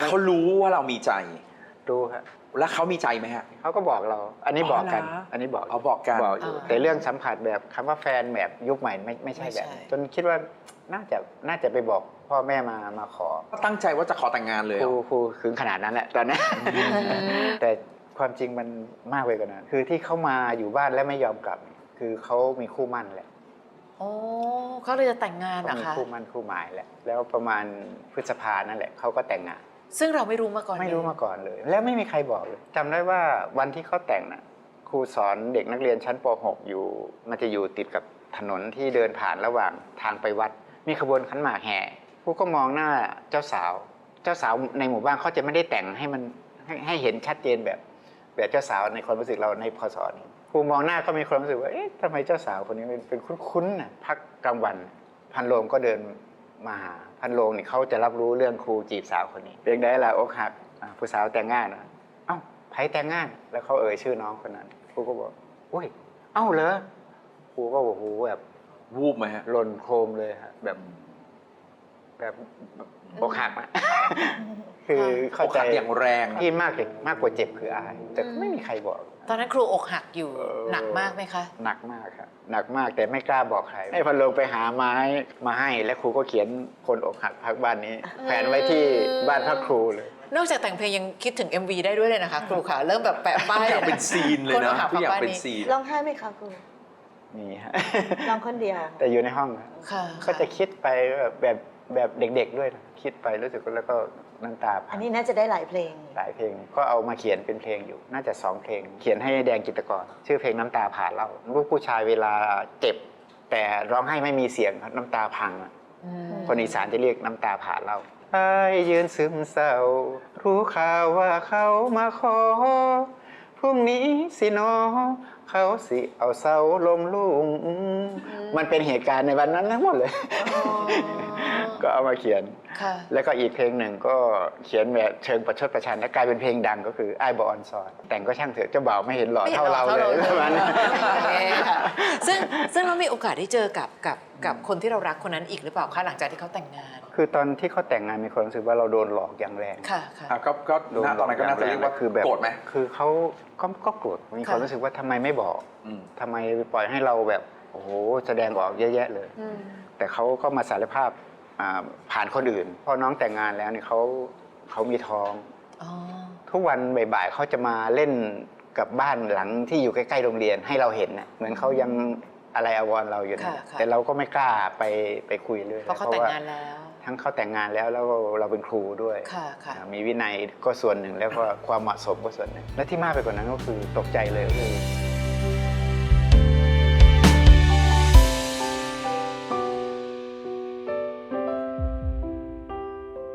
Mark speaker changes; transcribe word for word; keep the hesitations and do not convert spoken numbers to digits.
Speaker 1: เขารู้ว่าเรามีใจ
Speaker 2: รู้ครับ
Speaker 1: แล้วเขามีใจไหมฮะ
Speaker 2: เขาก็บอกเรา อันนี้บอกกัน อันนี้บอก
Speaker 1: เอาบอกกัน
Speaker 2: บอกอยู่แต่เรื่องสัมผัสแบบคำว่าแฟนแบบยุคใหม่ไม่ไม่ใช่แบบจนคิดว่าน่าจะน่าจะไปบอกพ่อแม่มามาขอ
Speaker 1: ตั้งใจว่าจะขอแต่งงานเลย
Speaker 2: ครูครูถึงขนาดนั้นแหละตอนนั้นแต่ความจริงมันมากไปกว่านั้นคือที่เขามาอยู่บ้านและไม่ยอมกลับคือเขามีคู่มั่นแหละ
Speaker 3: โอ้เขาเลยจะแต่งงานเหรอคะ
Speaker 2: มีคู่มั่นคู่หมายแหละแล้วประมาณพฤษภานั่นแหละเขาก็แต่งงาน
Speaker 3: ซึ่งเราไม่รู้มาก่อน
Speaker 2: ไม่รู้มาก่อนเลยแล้วไม่มีใครบอกเลยจำได้ว่าวันที่เขาแต่งน่ะครูสอนเด็กนักเรียนชั้นป .หก อยู่มันจะอยู่ติดกับถนนที่เดินผ่านระหว่างทางไปวัดมีขบวนขันหมากแห่ครูก็มองหน้าเจ้าสาวเจ้าสาวในหมู่บ้านเขาจะไม่ได้แต่งให้มันให้ให้เห็นชัดเจนแบบแบบเจ้าสาวในความรู้สึกเราในพศนี้ครูมองหน้าก็มีความรู้สึกว่าเอ๊ะทำไมเจ้าสาวคนนี้เป็นคุ้นๆน่ะพักกลางวันพันโรงก็เดินมาหาพันโรงนี่เขาจะรับรู้เรื่องครูจีบสาวคนนี้เพียงได้ละอกหักผู้สาวแต่งงานนะเอ้าไผแต่งงานแล้วเขาเอ่ยชื่อน้องคนนั้นครูก็บอกโอ้ยเอ้าเหรอครูก็บอกโหแบบ
Speaker 1: วูบไหมฮะ
Speaker 2: หล่นโครมเลยฮะแบบแบบอกหักนะคือเข้าใจ
Speaker 1: อย่างแรง
Speaker 2: ที่มากมากกว่าเจ็บคืออายแต่ไม่มีใครบอก
Speaker 3: ตอนนั้นครูอกหักอยู่หนักมากไหมคะ
Speaker 2: หนักมากครับหนักมากแต่ไม่กล้าบอกใครให้พันโรงไปหาไม้มาให้และครูก็เขียนคนอกหักพักบ้านนี้แขวนไว้ที่บ้านพักครูเลย
Speaker 3: นอกจากแต่งเพลงยังคิดถึง เอ็ม วี ได้ด้วยเลยนะคะครูค่ะเริ่มแบบแปะป้าย
Speaker 1: อยากเป็นซีนเลยนะทุกอย่างเป็นซีน
Speaker 4: ร้องไห้ไหมคะครู
Speaker 2: มีฮะ
Speaker 4: ร้องคนเดียว
Speaker 2: แต่อยู่ในห้อง
Speaker 3: ค่ะ
Speaker 2: ก็จะคิดไปแบบแบบแบบเด็กๆด้วยนะคิดไปรู้สึกแล้วก็น้ำตา
Speaker 4: อันนี้น่าจะได้หลายเพลง
Speaker 2: หลายเพลงก็เอามาเขียนเป็นเพลงอยู่น่าจะสองเพลงเขียนให้แดงกิตติกรชื่อเพลงน้ำตาผ่าเล่าลูกผู้ชายเวลาเจ็บแต่ร้องไห้ไม่มีเสียงครับน้ำตาพังคนอีสานจะเรียกน้ำตาผ่าเล่าไอ้ยืนซึมเศร้ารู้ข่าวว่าเขามาขอพรุ่งนี้สินอเขาสิเอาเสาลงลุงมันเป็นเหตุการณ์ในวันนั้นทั้งหมดเลยก็เอามาเขียนแล้วก็อีกเพลงหนึ่งก็เขียนแบบเชิงประชดประชันและกลายเป็นเพลงดังก็คือไอ้บอลซอนแต่งก็ช่างเถอะเจ้าบ่าวไม่เห็นหล่อเท่าเราเลยประมาณนั้น
Speaker 3: ซึ่งซึ่งเรามีโอกาสได้เจอกับกับกับคนที่เรารักคนนั้นอีกหรือเปล่าคะหลังจากที่เขาแต่งงาน
Speaker 2: คือตอนที่เขาแต่งงานมีความรู้สึกว่าเราโดนหลอกอย่างแรง
Speaker 3: ค่ะค่ะ
Speaker 1: ก็ก็ตอนนั้นก็น่าจะเรียกว่า
Speaker 2: คือแบบ
Speaker 1: โกรธไหม
Speaker 2: คือเขาก็ก็โกรธมีความรู้สึกว่าทำไมไม่บอกทำไมปล่อยให้เราแบบโอ้โหแสดงออกเยอะแยะเลยแต่เขาก็มาสารภาพผ่านคนอื่นพอน้องแต่งงานแล้วเนี่ยเขาเขามีท้องทุกวันบ่ายๆเขาจะมาเล่นกับบ้านหลังที่อยู่ใกล้ๆโรงเรียนให้เราเห็นนะเหมือนเขายังอะไรอาวรเราอยู่นะแต่เราก็ไม่กล้าไปไปคุยเลย
Speaker 3: เพราะเขาแต่งงานแล้ว
Speaker 2: ทั้งเขาแต่งงานแล้วแล้วเราเป็นครูด้วยมีวินัยก็ส่วนหนึ่งแล้วก็ความเหมาะสมก็ส่วนหนึ่งและที่มากไปกว่านั้นก็คือตกใจเลยคือ